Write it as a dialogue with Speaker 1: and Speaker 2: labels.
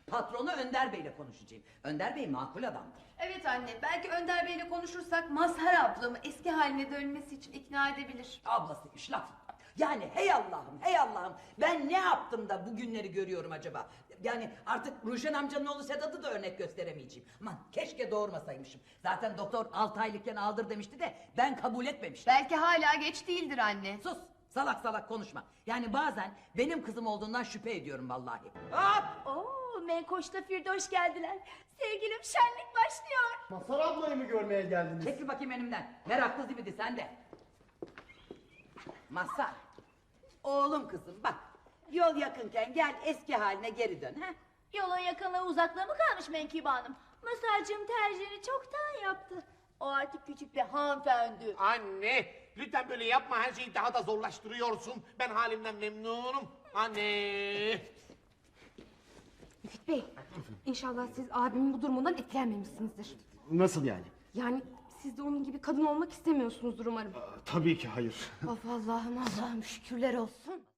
Speaker 1: Patronu Önder Bey'le konuşacağım. Önder Bey makul adamdır.
Speaker 2: Evet anne, belki Önder Bey'le konuşursak Mazhar ablamı eski haline dönmesi için ikna edebilir.
Speaker 1: Ablasıymış laf. Yani hey Allah'ım, hey Allah'ım, ben ne yaptım da bu günleri görüyorum acaba? Yani artık Ruşen amcanın oğlu Sedat'ı da örnek gösteremeyeceğim. Aman keşke doğurmasaymışım. Zaten doktor 6 aylıkken aldır demişti de ben kabul etmemiştim.
Speaker 2: Belki hala geç değildir anne.
Speaker 1: Sus, salak salak konuşma. Yani bazen benim kızım olduğundan şüphe ediyorum vallahi. Hop!
Speaker 3: Oo, Menkoş'ta Firdoş geldiler. Sevgilim şenlik başlıyor.
Speaker 4: Mazhar ablayı mı görmeye geldiniz?
Speaker 1: Çekil bakayım önümden. Meraklı zibidi sen de. Mazhar. Oğlum kızım bak. Yol yakınken gel eski haline geri dön. Ha?
Speaker 3: Yolun yakınlığı uzaklığı mı kalmış Menkibe Hanım? Masarcığım tercihini çoktan yaptı. O artık küçük bir hanımefendi.
Speaker 5: Anne, lütfen böyle yapma, her şeyi daha da zorlaştırıyorsun. Ben halimden memnunum. Anne.
Speaker 6: Müfit Bey, inşallah siz abimin bu durumundan etkilenmemişsinizdir.
Speaker 4: Nasıl yani?
Speaker 6: Yani siz de onun gibi kadın olmak istemiyorsunuzdur umarım.
Speaker 4: Tabii ki hayır.
Speaker 6: Of Allah'ım Allah'ım şükürler olsun.